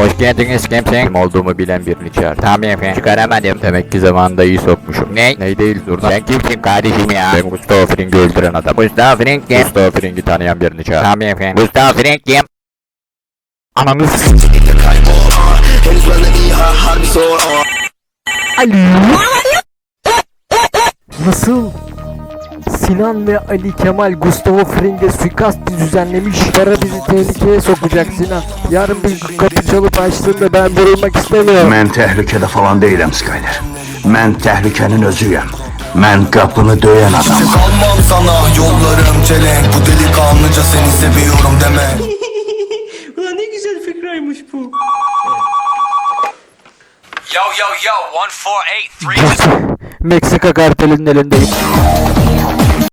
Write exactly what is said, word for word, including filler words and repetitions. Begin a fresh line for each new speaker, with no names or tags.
Hoş geldiniz kimsin? Kim olduğumu bilen birini çağır. Tamam efendim. Çıkaramadım. Demek ki zamanında iyi sokmuşum. Ne? Ne değil zurna. Sen kimsin kardeşim ya? Ben Gustavo Fring'i öldüren adam. Gustavo Fring kim? Gustavo Fring'i tanıyan birini çağır. Tamam efendim. Gustavo Fring kim? Ananı s***.
Alo. Nasıl? Sinan ve Ali Kemal Gustavo Fring'e suikast düzenlemiş. Para bizi tehlikeye sokacak Sinan. Yarın bir kapı çalıp açtığında ben vurulmak istemiyorum.
Mən təhlükədə falan deyiləm Skyler. Mən təhlükənin özüyəm. Mən qapını döyən adamım.
Kalmam sana yollarım çelenk. Bu delikanlıca seni seviyorum deme.
Ulan ne güzel fikraymış bu.
Yo, yo, yo, one four eight three.
Meksika kartelinin elindeyim.